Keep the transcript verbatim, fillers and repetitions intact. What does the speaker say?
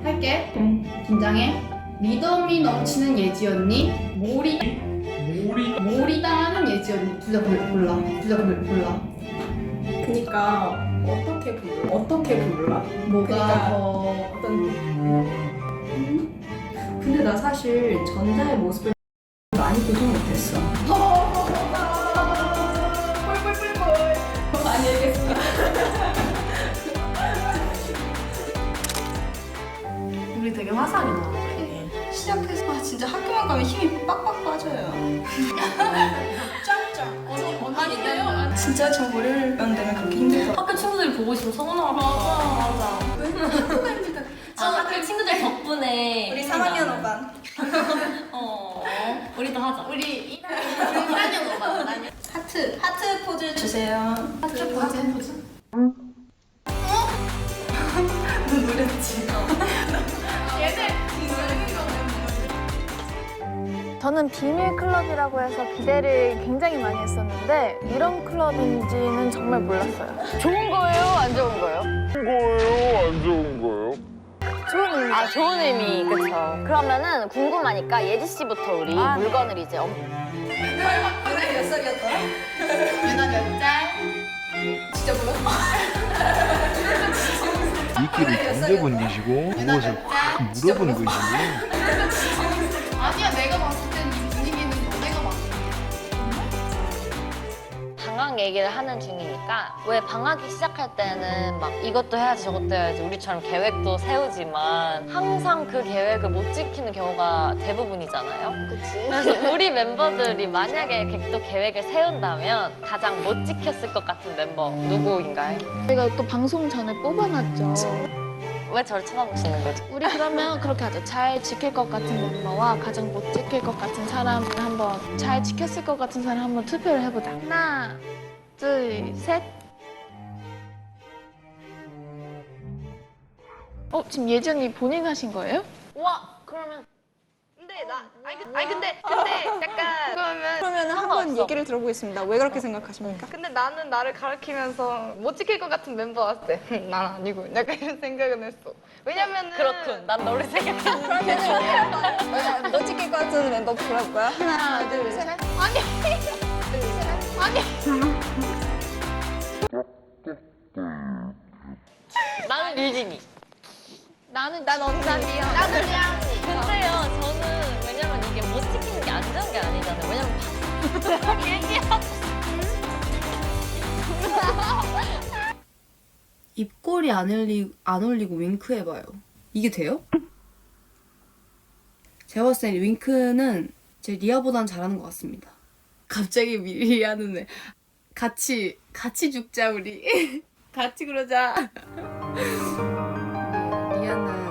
할게. 응. 긴장해. 리더미 넘치는 예지 언니. 몰이 몰이 몰이다는 예지 언니. 둘 다 골라. 둘 다 골라. 그니까 어떻게 불러? 어떻게 불러? 뭐가 그러니까 더 어떤 근데 나 사실 전자의 모습을 많이 보지 못했어. 뿔뿔뿔뿔. 많이 얘기했어. 우리 되게 화사하게 나왔네. 시작해서 아, 진짜 학교만 가면 힘이 빡빡 빠져요. 짱짱. 언니, 언니 얘기해요? 진짜 저 월요일만 되면 그렇게 힘들더라고요. 학교 친구들이 보고 있으면 서운하고. 맞아, 맞아. 학교가 힘들다. 아, 학교 친구들 덕분에. 우리 삼 학년 오 반. 어, 우리도 하자. 우리 일 학년 오 반. 하트. 하트 포즈 주세요. 하트 포즈. 하트 포즈. 노랬지. 저는 비밀 클럽이라고 해서 기대를 굉장히 많이 했었는데 이런 클럽인지는 정말 몰랐어요. 좋은 거예요? 안 좋은 거예요? 거예요? 안 좋은 거예요? 좋은 의미. 아, 좋은 의미, 그쵸. 그러면은 궁금하니까 예지 씨부터 우리 아, 물건을 이제 엄... 오늘 몇 살이었더라? 유나 몇 짤? 진짜 몰랐어. 이끼를 던져본 것이고 무엇을 확 물어본 것이고 아니야, 내가 봤을 땐 이 분위기는 너네가 맞아. 방학 얘기를 하는 중이니까 왜 방학이 시작할 때는 막 이것도 해야지 저것도 해야지 우리처럼 계획도 세우지만 항상 그 계획을 못 지키는 경우가 대부분이잖아요. 그치? 그래서 우리 멤버들이 만약에 또 계획을 세운다면 가장 못 지켰을 것 같은 멤버 누구인가요? 저희가 또 방송 전에 뽑아놨죠. 왜 저를 쳐다보시는 거죠? 우리 그러면 그렇게 하죠. 잘 지킬 것 같은 멤버와 가장 못 지킬 것 같은 사람을 한번 잘 지켰을 것 같은 사람 한번 투표를 해보자. 하나, 둘, 셋. 어, 지금 예지 언니 본인 하신 거예요? 와, 그러면 근데 나 아니, 그- 아니 근데 근데 약간 그러면 그러면 한번 상관없어. 얘기를 들어보겠습니다. 왜 그렇게 생각하십니까? 근데 나는 나를 가르치면서 못 지킬 것 같은 멤버 왔을 때 난 아니고 약간 이런 생각은 했어. 왜냐면은 그렇군. 난 너를 생각해. 그러면 너 찍힐 것 같은 멤버 불러볼 거야? 하나, 둘, 셋. 나는 유진이. 나는 난 언니야. 나는 그냥 근데요, 저는 왜냐면 이게 못 지키는 게 안 좋은 게 아니잖아요. 왜냐면 얘기하고 입꼬리 안 올리, 안 올리고 윙크 해봐요. 이게 돼요? 제가 봤을 때 윙크는 제 리아보단 잘하는 것 같습니다. 갑자기 리아는 애 같이 같이 죽자 우리. 같이 그러자. 리아는